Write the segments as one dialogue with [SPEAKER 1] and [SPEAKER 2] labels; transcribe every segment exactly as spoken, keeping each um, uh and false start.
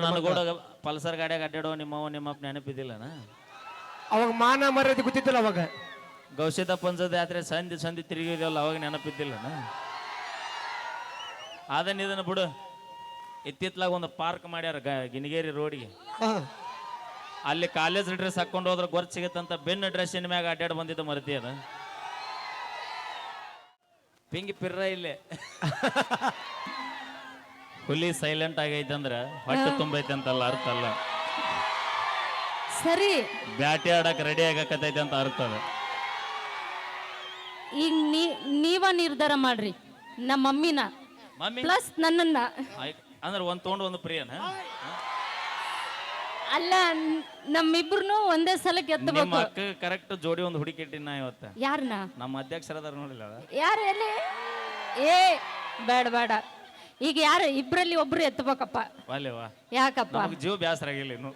[SPEAKER 1] ನನ್ನ ಕೂಡ ಪಲ್ಸರ್ ಗಾಡಿಯಾಗ ಅಡ್ಡಾಡೋ ನಿಮ್ಮವ ನಿಮ್ಮಪ್ಪ ನೆನಪಿದ್ದಿಲ್ಲನ
[SPEAKER 2] ಅವಾಗ ಮಾನ ಮರ್ಯಾದೆ ಗೊತ್ತಿದ್ದಿಲ್ಲ ಅವಾಗ
[SPEAKER 1] ಗೌಶಿತ ಪಂಚದ ಯಾತ್ರೆ ಸಂಧಿ ಸಂಧಿ ತಿರುಗಿದೆಯಲ್ಲ ಅವಾಗ ನೆನಪಿದ್ದಿಲ್ಲನ ಅದನ್ನ ಇದನ್ನ ಬಿಡು ಇತ್ತಿತ್ಲಾಗ ಒಂದು ಪಾರ್ಕ್ ಮಾಡ್ಯಾರ ಗಿನಿಗೇರಿ ರೋಡಿಗೆ ಅಲ್ಲಿ ಕಾಲೇಜ್ ಡ್ರೆಸ್ ಹಾಕೊಂಡು ಹೋದ್ರೆ ಗೊರ್ಚ್ ಸಿಗತ್ತಂತ ಬೆನ್ನ ಡ್ರೆಸ್ಸಿನ ಮ್ಯಾಗ ಅಡ್ಡಾಡ್ ಬಂದಿದ್ದ ಮರತಿ ಅದ ಪಿಂಗಿ ಪಿರ್ರ ಇಲ್ಲೇ ಹುಲಿ ಸೈಲೆಂಟ್ ಆಗೈತಂದ್ರ ಹೊಟ್ಟೆ ತುಂಬೈತೆ ಅಂತಲ್ಲ ಅರ್ಥ ಅಲ್ಲ
[SPEAKER 3] ಸರಿ
[SPEAKER 1] ಬ್ಯಾಟಿ ಆಡಕ್ ರೆಡಿ ಆಗಕತ್ತೈತೆ ಅಂತ ಅರ್ಥ ಅದ
[SPEAKER 3] ಈಗ ನೀ ನೀವ ನಿರ್ಧಾರ ಮಾಡ್ರಿ ನಮ್ಮ ಮಮ್ಮಿನ
[SPEAKER 1] ಮಮ್ಮಿ
[SPEAKER 3] ಪ್ಲಸ್ ನನ್ನನ್ನ
[SPEAKER 1] ಅಂದ್ರೆ ಒಂದ್ ತಗೊಂಡು ಒಂದು ಪ್ರಿಯನ
[SPEAKER 3] ಅಲ್ಲ ನಮ್ಮಿಬ್ರು ಒಂದೇ ಸಲಕ್ಕೆ
[SPEAKER 1] ನಿಮ್ಮ
[SPEAKER 3] ಎತ್ತಬೇಕು
[SPEAKER 1] ಅಕ್ಕ ಕರೆಕ್ಟ್ ಜೋಡಿ ಒಂದು ಹುಡುಕಿ ಇಟ್ಟಿನ ಇವತ್ತ
[SPEAKER 3] ಯಾರನ್ನ
[SPEAKER 1] ನಮ್ಮ ಅಧ್ಯಕ್ಷರದಾರ ನೋಡಿಲ್ಲ
[SPEAKER 3] ಯಾರು ಎಲ್ಲಿ ಏ ಬೇಡ ಬೇಡ ಈಗ ಯಾರು ಇಬ್ರಲ್ಲಿ ಒಬ್ರು ಎತ್ತಬೇಕಪ್ಪ
[SPEAKER 1] ವಾಲೇವಾ
[SPEAKER 3] ಯಾಕಪ್ಪ
[SPEAKER 1] ನಮಗ್ ಜೀವ ಬ್ಯಾಸರ ಆಗಿಲ್ಲ ಇನ್ನು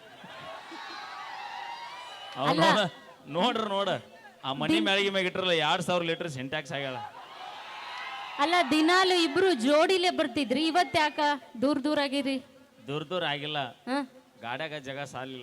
[SPEAKER 3] ಅಲ್ಲ.
[SPEAKER 1] ಅವ್ನು ನೋಡ್ರ ನೋಡ ಆ ಮನಿ ಮ್ಯಾಳಿಗೆ ಮ್ಯಾಗ ಇಟ್ರಲ್ಲ ಎರಡ್ ಸಾವಿರ ಲೀಟರ್ ಸಿಂಟ್ಯಾಕ್ಸ್ ಆಗ್ಯಾಳ
[SPEAKER 3] ಅಲ್ಲ ದಿನಾಲು ಇಬ್ರು ಜೋಡಿಲೇ ಬರ್ತಿದ್ರಿ ಇವತ್ ಯಾಕ ದೂರ ದೂರ ಆಗಿರಿ
[SPEAKER 1] ದೂರ ದೂರ ಆಗಿಲ್ಲ
[SPEAKER 3] ಹ?
[SPEAKER 1] ಗಾಡ್ಯಾಗ ಜಾಗ ಸಾಲಿಲ್ಲ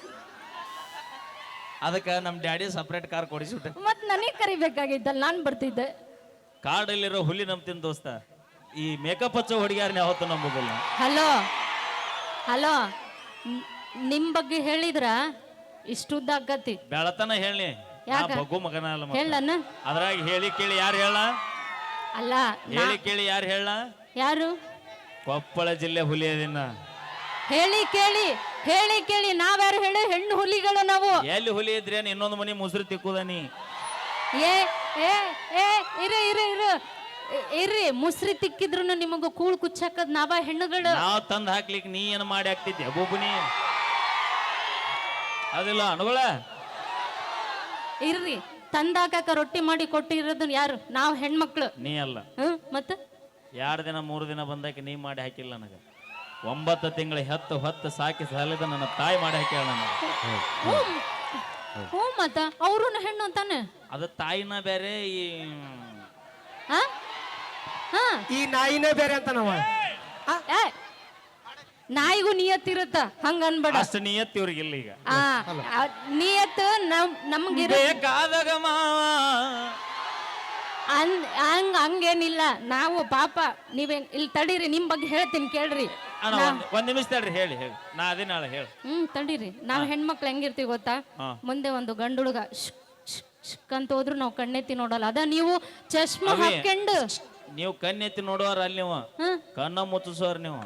[SPEAKER 1] ಅದಕ್ಕೆ ನಮ್ಮ ಡ್ಯಾಡಿ ಸಪ್ರೇಟ್ ಕಾರ್ ಕೊಡಿಸ್ಬಿಟ್ಟೆ
[SPEAKER 3] ಮತ್ ನನಗ್ ಕರಿಬೇಕಾಗಿದ್ದಲ್ಲ ನಾನ್ ಬರ್ತಿದ್ದೆ
[SPEAKER 1] ಕಾಡಲ್ಲಿರೋ ಹುಲಿ ನಂಬ್ತೀನಿ ದೋಸ್ತ ಈ ಮೇಕಪ್ ಹಚ್ಚೋ ಹುಡುಗಿಯಾರನ್ನ ಯಾವತ್ತೂ ನಂಬೋದಿಲ್ಲ
[SPEAKER 3] ಹಲೋ ಹಲೋ ನಿಮ್ ಬಗ್ಗೆ ಹೇಳಿದ್ರ ಇಷ್ಟುದ್ದ ಆಗತಿ
[SPEAKER 1] ಬೆಳತನ ಹೇಳಿ
[SPEAKER 3] ಯಾಕ?
[SPEAKER 1] ಬಗ್ಗು ಮಗನ ಅಲ್ಲ ಮತ್ತೆ.
[SPEAKER 3] ಹೇಳಣ್ಣ
[SPEAKER 1] ಅದ್ರಾಗ ಹೇಳಿ ಕೇಳಿ ಯಾರು ಹೇಳ
[SPEAKER 3] ಅಲ್ಲ ನಾ-
[SPEAKER 1] ಹೇಳಿ ಕೇಳಿ ಯಾರು ಹೇಳ
[SPEAKER 3] ಯಾರು
[SPEAKER 1] ಕೊಪ್ಪಳ ಜಿಲ್ಲೆ ಹುಲಿ ಅದಿನ
[SPEAKER 3] ಹೇಳಿ ಕೇಳಿ ಹೇಳಿ ಕೇಳಿ ನಾವ್ಯಾರು ಹೇಳಿ ಹೆಣ್ಣು ಹುಲಿಗಳು ನಾವು
[SPEAKER 1] ಎಲ್ಲಿ ಹುಲಿ ಇದ್ರೇನು ಇನ್ನೊಂದು ಮನಿ ಮುಸುರು ತಿಕ್ಕುದ ನೀ
[SPEAKER 3] ಏ ಏ ಏ ಇರು ಇರು ಇರು ಇ- ಇರ್ರಿ ಮುಸ್ರಿ ತಿಕ್ಕಿದ್ರು ನಿಮಗ ಕೂಳ್ ಕುಚ್ಚಾಕದ್ ನಾವ ಹೆಣ್ಣುಗಳು
[SPEAKER 1] ನಾವ್ ತಂದ್ ಹಾಕ್ಲಿಕ್ಕೆ ನೀ ಏನ್ ಮಾಡಿ ಹಾಕ್ತಿದ್ಯ ಬೊಬ್ಬುನಿ ಅದಿಲ್ಲ ಅನುಗಳ
[SPEAKER 3] ಇರ್ರಿ ತಂದಾಕ ರೊಟ್ಟಿ ಮಾಡಿ ಕೊಟ್ಟಿರೋದು ಯಾರು ನಾವ್ ಹೆಣ್ಮಕ್ಳು
[SPEAKER 1] ನೀ ಅಲ್ಲ
[SPEAKER 3] ಹ್ಮ್ ಮತ್ತ
[SPEAKER 1] ಎರಡು ದಿನ ಮೂರು ದಿನ ಬಂದಾಕ ನೀ ಮಾಡಿ ಹಾಕಿಲ್ಲ ನನಗ ಒಂಬತ್ತು ತಿಂಗಳ ಹತ್ತು ಹೊತ್ತು ಸಾಕಿ ಸಾಲಿದ ನನ್ನ ತಾಯಿ ಮಾಡಿ ಹಾಕ್ಯಾಳ ನನಗ
[SPEAKER 3] ಹ್ಞೂ ಮತ್ತ ಅವ್ರು ಹೆಣ್ಣು ಅಂತಾನೆ
[SPEAKER 1] ಅದು ತಾಯಿನ ಬೇರೆ ಈ
[SPEAKER 3] ಹಾ ಹಾ
[SPEAKER 2] ಈ ನಾಯಿನೇ ಬೇರೆ ಅಂತ ನಾವ
[SPEAKER 3] ಏ, ನಾಯಿಗೂ ನಿಯತ್ತಿರುತ್ತ ಹಂಗ ಅನ್ಬೇಡ
[SPEAKER 1] ಅಷ್ಟು ನಿಯತ್ ಇವ್ರಿಗಿಲ್ಲ ಈಗ
[SPEAKER 3] ಆ ಆ, ನಿಯತ್ತು ನಮ್ ನಮ್ಗಿರ
[SPEAKER 1] ಬೇಕಾದಾಗ ಮಾವ
[SPEAKER 3] ಅನ್ ಹಂಗ ಹಂಗೇನಿಲ್ಲ ನಾವು ಪಾಪ ನೀವೇನ್ ಇಲ್ಲಿ ತಡೀರಿ ನಿಮ್ ಬಗ್ಗೆ ಹೇಳ್ತೀನಿ ಕೇಳ್ರಿ
[SPEAKER 1] ಅಣ್ಣ, ಒಂದ್ ಒಂದ್ ನಿಮಿಷ ತಡ್ರಿ ಹೇಳಿ ಹೇಳಿ ನಾ ಅದೇ ನಾಳೆ ಹೇಳಿ
[SPEAKER 3] ಹ್ಮ್ ತಡೀರಿ ನಾವ್ ಹೆಣ್ಮಕ್ಳು ಹೆಂಗಿರ್ತೀವಿ ಗೊತ್ತಾ
[SPEAKER 1] ಹಾ.
[SPEAKER 3] ಮುಂದೆ ಒಂದು ಗಂಡುಡುಗ ಶ್ ಶ್ ಶ್ ಅಂತ ಹೋದ್ರು ನಾವು ಕಣ್ಣೆತ್ತಿ ನೋಡಲ್ಲ ಅದ ನೀವು ಚಶ್ಮಾ
[SPEAKER 1] ಅವೇ.
[SPEAKER 3] ಹಾಕೊಂಡು
[SPEAKER 1] ನೀವು ಕಣ್ಣೆತ್ತಿ ನೋಡುವಾರ ಅಲ್ಲಿ ನೀವು
[SPEAKER 3] ಹ್ಮ್
[SPEAKER 1] ಕಣ್ಣ ಮುಚ್ಚಿಸೋರ್ ನೀವು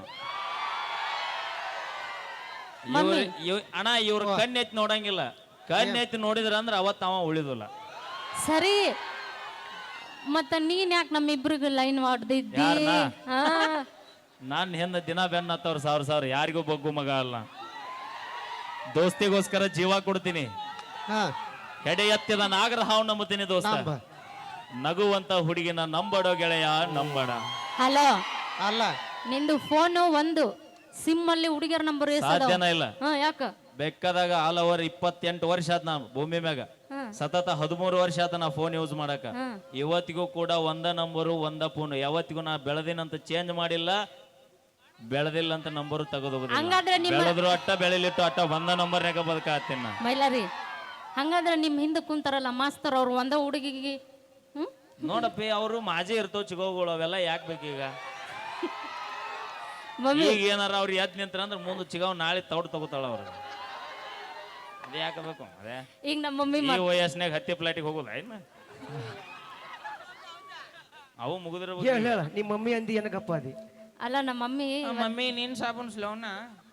[SPEAKER 3] ಮಮ್ಮಿ.
[SPEAKER 1] ಇವ್ರ್- ಇವ್- ಅಣ್ಣ ಇವ್ರ ಕಣ್ಣೆತ್ತಿ ನೋಡಂಗಿಲ್ಲ ಕಣ್ಣೆತ್ತಿ ನೋಡಿದ್ರ ಅಂದ್ರ ಅವತ್ತ ಅವ ಉಳಿದಿಲ್ಲ
[SPEAKER 3] ಸರಿ ಮತ್ತ ನೀನ್ ಯಾಕೆ ನಮ್ಮಿಬ್ರಿಗೆ ಲೈನ್ ಹೊಡ್ದಿದ್ದಿ
[SPEAKER 1] ಯಾರ್ನ?
[SPEAKER 3] ಹಾ
[SPEAKER 1] ನಾನ್ ಹಿಂದ ದಿನ ಬೆನ್ನ ಹತ್ತವ್ರ ಸಾವಿರ ಸಾವಿರ ಯಾರಿಗೂ ಬಗ್ಗು ಮಗ ಅಲ್ಲ ದೋಸ್ತಿಗೋಸ್ಕರ ಜೀವ ಕೊಡ್ತೀನಿ
[SPEAKER 2] ಹಾ
[SPEAKER 1] ಹೆಡೆ ಎತ್ತಿದ ನಾಗರ ಹಾವು ನಂಬುತ್ತೀನಿ ದೋಸ್ತ
[SPEAKER 2] ನಂಬ.
[SPEAKER 1] ನಗುವಂತ ಹುಡುಗಿನ ನಂಬಡೋ ಗೆಳೆಯ ನಂಬಡ
[SPEAKER 3] ಹಲೋ
[SPEAKER 2] ಅಲ್ಲ
[SPEAKER 3] ನಿಂದು ಫೋನು ಒಂದು ಸಿಮ್ ಅಲ್ಲಿ ಹುಡುಗಿಯರ ನಂಬರ್
[SPEAKER 1] ಸಾಧ್ಯನ ಇಲ್ಲ
[SPEAKER 3] ಹಾ ಯಾಕ
[SPEAKER 1] ಬೇಕಾದಾಗ ಆಲ್ ಓವರ್ ಇಪ್ಪತ್ತೆಂಟು ವರ್ಷ ಆತ್ ನಾ ಭೂಮಿ ಮ್ಯಾಗ
[SPEAKER 3] ಹಾ
[SPEAKER 1] ಸತತ ಹದಿಮೂರು ವರ್ಷ ಆತ ನಾ ಫೋನ್ ಯೂಸ್ ಮಾಡಕ
[SPEAKER 3] ಹಾ.
[SPEAKER 1] ಇವತ್ತಿಗೂ ಕೂಡ ಒಂದ ನಂಬರು ಒಂದ ಫೋನ್ ಯಾವತ್ತಿಗೂ ನಾ ಬೆಳೆದಿನಂತ ಚೇಂಜ್ ಮಾಡಿಲ್ಲ ಬೆಳೆದಿಲ್ಲ ಅಂತ ನಂಬರು ತೆಗೆದೋಗುದಿಲ್ಲ
[SPEAKER 3] ಹಂಗಾದ್ರೆ ನಿಮ್ಮ
[SPEAKER 1] ಬೆಳೆದ್ರು ಅಟ್ಟ ಬೆಳಿಲಿಟ್ಟು ಅಟ್ಟ ಒಂದ ನಂಬರ್ನಾಗ ಬದುಕಾತೀನಿ ನಾ
[SPEAKER 3] ಮೈಲಾರಿ ಹಂಗಾದ್ರೆ ನಿಮ್ ಹಿಂದೆ ಕುಂತಾರಲ್ಲ ಮಾಸ್ತರ್ ಅವ್ರು ಒಂದ ಹುಡುಗಿಗೆ ಹ್ಮ್
[SPEAKER 1] ನೋಡಪ್ಪಿ ಅವರು ಮಾಜಿ ಇರ್ತಾವ ಚಿಗೋಗಳು ಅವೆಲ್ಲ ಯಾಕೆ ಬೇಕೀಗ
[SPEAKER 3] ಮಮ್ಮಿ
[SPEAKER 1] ಈಗ ಏನಾರ ಅವ್ರು ಎದ್ ನಿಂತ್ರ ಅಂದ್ರೆ ಮುಂದೆ ಚಿಗಾವ್ ನಾಳೆ ತೌಡ್ ತಗೋತಾಳ ಅವ್ರು ಅದೇ ಯಾಕೆ ಬೇಕು ಅದೇ
[SPEAKER 3] ಈಗ ನಮ್ಮ ಮಮ್ಮಿ
[SPEAKER 1] ಈ
[SPEAKER 3] ಮಾತ್-
[SPEAKER 1] ವಯಸ್ಸಿನಾಗ ಹತ್ತಿ ಪ್ಲಾಟಿಗೆ ಹೋಗುದ ಏನ ಅವು ಮುಗಿದಿರ್ಬೇಕು
[SPEAKER 2] ಹೇಳ ಹೇಳ ನಿಮ್ಮ ಮಮ್ಮಿ ಅಂದಿ ಏನಕ್ಕಪ್ಪ ಅದಿ
[SPEAKER 3] ಅಲ್ಲ ನಮ್ಮ ಮಮ್ಮಿ
[SPEAKER 1] ಮಮ್ಮಿ ನೀನ್ ಸಾಬೂನ್ ಸ್ಲೋನ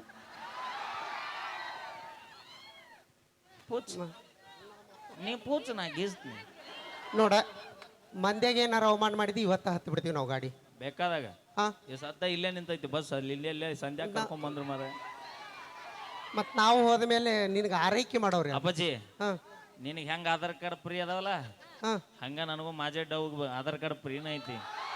[SPEAKER 1] ಪೂಚ್ ನೀ ಪೂಚ್ ನಾ ಗೀಸ್ತೀನಿ
[SPEAKER 4] ನೋಡ ಮಂದ್ಯಾಗ ಏನಾರ ಅವಮಾನ ಮಾಡಿದ್ವಿ ಇವತ್ತ ಹತ್ತು ಬಿಡ್ತೀವಿ ನಾವು ಗಾಡಿ
[SPEAKER 1] ಬೇಕಾದಾಗ
[SPEAKER 4] ಹಾ
[SPEAKER 1] ಈ ಸದ್ದ ಇಲ್ಲೇ ನಿಂತೈತಿ ಬಸ್ ಅಲ್ಲಿ ಇಲ್ಲೇ ಇಲ್ಲೇ ಸಂಧ್ಯಾ ಕರ್ಕೊಂಡ್ ಬಂದ್ರು ಮಾರ
[SPEAKER 4] ಮತ್ ನಾವು ಹೋದ ಮೇಲೆ ನಿನಗೆ ಆರೈಕೆ ಮಾಡೋರಿ
[SPEAKER 1] ಅಪ್ಪಾಜಿ
[SPEAKER 4] ಹಾ
[SPEAKER 1] ನಿನಗೆ ಹೆಂಗ ಆಧಾರ್ ಕಾರ್ಡ್ ಫ್ರೀ ಅದಾವಲ್ಲ
[SPEAKER 4] ಹಾ
[SPEAKER 1] ಹಂಗ ನನಗೂ ಮಾಜೆ ಡೌಗ್ ಆಧಾರ್ ಕಾರ್ಡ್ ಫ್ರೀನ ಐತಿ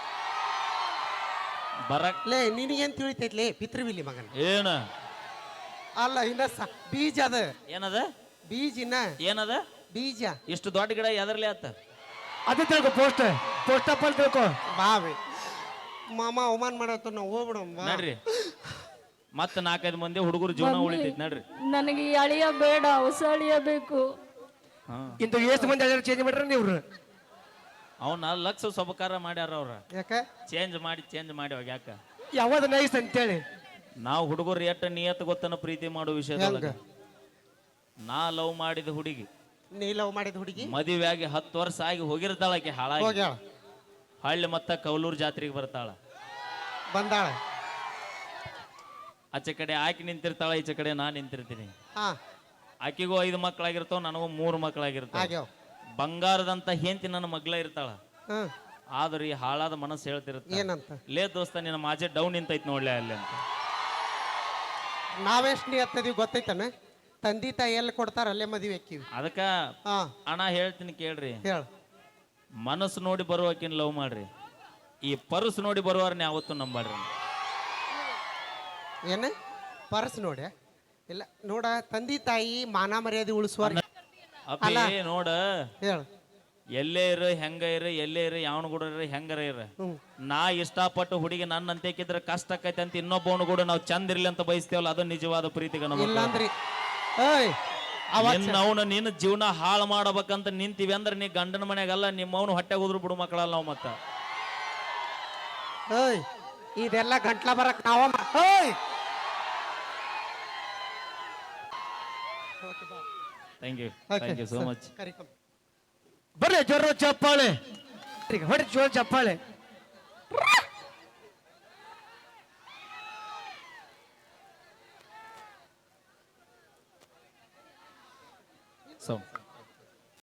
[SPEAKER 1] ಬರಕ್
[SPEAKER 4] ಲೇ ನಿನಗೇನ್ ತಿಳಿತೈತ್ಲೇ ಪಿತೃವಿಲಿ ಮಗನ
[SPEAKER 1] ಏನ
[SPEAKER 4] ಅಲ್ಲ ಇನ್ನ ಸ ಬೀಜ ಅದ
[SPEAKER 1] ಏನದ
[SPEAKER 4] ಬೀಜ ಇನ್ನ
[SPEAKER 1] ಏನದ
[SPEAKER 4] ಬೀಜ
[SPEAKER 1] ಇಷ್ಟು ದೊಡ್ಡ ಗಿಡ ಎದರ್ಲಿ ಆತ
[SPEAKER 2] ಅದೇ ತಿಳ್ಕೊ ಪೋಸ್ಟ್ ಪೋಸ್ಟ್ ಅಪ್ ಅಲ್ಲಿ ತಿಳ್ಕೊ
[SPEAKER 4] ಬಾವಿ ಮಾಮ ಅವಮಾನ ಮಾಡತ್ತ ನಾವು ಹೋಗ್ಬಿಡಮ್ಮ
[SPEAKER 1] ನೋಡ್ರಿ ಮತ್ತೆ ನಾಲ್ಕೈದು ಮಂದಿ ಹುಡುಗರು ಜೀವನ ಉಳಿತೈತಿ ನಡ್ರಿ.
[SPEAKER 3] ನನಗೆ ಈ ಅಳಿಯ ಬೇಡ, ಹೊಸ ಅಳಿಯ ಬೇಕು.
[SPEAKER 1] ಹಾ
[SPEAKER 2] ಇಂತ ಎಷ್ಟು ಮಂದಿ ಚೇಂಜ್ ಮಾಡ್ರಿ ನೀವು?
[SPEAKER 1] ಅವನ್ನ ಲಕ್ಷ ಸಬಕಾರ ಮಾಡ್ಯಾರ ಅವ್ರ.
[SPEAKER 4] ಯಾಕ
[SPEAKER 1] ಚೇಂಜ್ ಮಾಡಿ ಚೇಂಜ್ ಮಾಡಿ ಹೋಗಿ ಯಾಕ
[SPEAKER 2] ಯಾವ್ದು ನೈಸ್ ಅಂತೇಳಿ
[SPEAKER 1] ನಾವು ಹುಡುಗರು ಎಟ್ಟ ನಿಯತ್ ಗೊತ್ತನ ಪ್ರೀತಿ ಮಾಡೋ ವಿಷಯದೊಳಗ. ನಾ ಲವ್ ಮಾಡಿದ ಹುಡುಗಿ
[SPEAKER 4] ನೀ ಲವ್ ಮಾಡಿದ ಹುಡುಗಿ
[SPEAKER 1] ಮದುವೆ ಆಗಿ ಹತ್ತು ವರ್ಷ ಆಗಿ ಹೋಗಿರ್ತಾಳಕ್ಕೆ ಹಾಳಾಗಿ
[SPEAKER 4] ಹೋಗ್ಯಾಳ
[SPEAKER 1] ಹಳ್ಳಿ ಮತ್ತ ಕೌಲೂರ್ ಜಾತ್ರೆಗೆ ಬರ್ತಾಳ.
[SPEAKER 4] ಬಂದಾಳ.
[SPEAKER 1] ಆಚೆ ಕಡೆ ಆಕಿ ನಿಂತಿರ್ತಾಳ, ಈಚೆ ಕಡೆ ನಾ ನಿಂತಿರ್ತೀನಿ.
[SPEAKER 4] ಹಾ
[SPEAKER 1] ಆಕಿಗೂ ಐದು ಮಕ್ಕಳಾಗಿರ್ತಾವ, ನನಗೂ ಮೂರು ಮಕ್ಕಳಾಗಿರ್ತಾವ.
[SPEAKER 4] ಆಗ್ಯಾವ.
[SPEAKER 1] ಬಂಗಾರದಂತ ಹೆಂಡತಿ ನನ್ನ ಮಗ್ಳ ಇರ್ತಾಳ.
[SPEAKER 4] ಹ್ಮ್
[SPEAKER 1] ಆದ್ರೆ ಈ ಹಾಳಾದ ಮನಸ್ಸು ಹೇಳ್ತಿರುತ್ತೆ,
[SPEAKER 4] ಏನಂತ?
[SPEAKER 1] ಲೇ ದೋಸ್ತ ನಿನ್ನ ಮಾಜೆ ಡೌನ್ ನಿಂತೈತ್ ನೋಡ್ಲೆ ಅಲ್ಲಿ ಅಂತ.
[SPEAKER 4] ನಾವೆಷ್ಟು ನಿಯತ್ತದೀವಿ ಗೊತ್ತೈತನ? ತಂದಿ ತಾಯಿ ಎಲ್ಲಿ ಕೊಡ್ತಾರ ಅಲ್ಲೇ ಮದುವೆ ಹಾಕಿವಿ.
[SPEAKER 1] ಅದಕ್ಕ
[SPEAKER 4] ಹಾ
[SPEAKER 1] ಅಣ್ಣ ಹೇಳ್ತೀನಿ ಕೇಳ್ರಿ,
[SPEAKER 4] ಹೇಳ.
[SPEAKER 1] ಮನಸ್ಸು ನೋಡಿ ಬರುವಕಿನ್ ಲವ್ ಮಾಡ್ರಿ, ಈ ಪರ್ಸ್ ನೋಡಿ ಬರುವಾರನ್ನ ಯಾವತ್ತೂ ನಂಬಾಡ್ರಿ.
[SPEAKER 4] ಏನ ಪರ್ಸ್ ನೋಡಿ ಇಲ್ಲ ನೋಡ, ತಂದಿ ತಾಯಿ ಮಾನ ಮರ್ಯಾದೆ ಉಳಿಸುವ.
[SPEAKER 1] ಅಪ್ಪಿ ನೋಡ,
[SPEAKER 4] ಹೇಳ.
[SPEAKER 1] ಎಲ್ಲೇ ಇರು ಹೆಂಗ ಇರು, ಎಲ್ಲೇ ಇರು ಯಾವನ ಕೂಡ ಇರು ಹೆಂಗರ ಇರು,
[SPEAKER 4] ಹ್ಮ್
[SPEAKER 1] ನಾ ಇಷ್ಟಪಟ್ಟು ಹುಡುಗಿ ನನ್ನ ಅಂತೇಕಿದ್ರೆ ಕಷ್ಟ ಆಕೈತೆ ಅಂತ ಇನ್ನೊಬ್ಬವನು ಕೂಡ ನಾವು ಚಂದ ಇರ್ಲಿ ಅಂತ ಬಯಸ್ತೇವಲ್ಲ, ಅದು ನಿಜವಾದ ಪ್ರೀತಿಗೆ ನಮ್ಮ.
[SPEAKER 4] ಇಲ್ಲಾಂದ್ರಿ ಏಯ್
[SPEAKER 1] ನಿನ್ನ ಅವನ ನಿನ್ನ ಜೀವನ ಹಾಳು ಮಾಡಬೇಕಂತ ನಿಂತೀವಿ ಅಂದ್ರೆ ನೀ ಗಂಡನ ಮನೆಯಾಗಲ್ಲ, ನಿಮ್ಮ ಅವನು ಹೊಟ್ಟೆ ಹೋದ್ರು ಬಿಡು ಮಕ್ಕಳಲ್ಲ ನಾವು. ಮತ್ತ
[SPEAKER 4] ಏಯ್ ಇದೆಲ್ಲ ಗಂಟ್ಲ ಬರಕ್ ನಾವ ಮಾ- ಏಯ್
[SPEAKER 1] thank you thank you so much.
[SPEAKER 4] ಕರಿಕಮ್.
[SPEAKER 2] ಬರ್ರಿ ಜೋರ ಚಪ್ಪಾಳೆ, ಹೊಡಿ ಜೋರ ಚಪ್ಪಾಳೆ.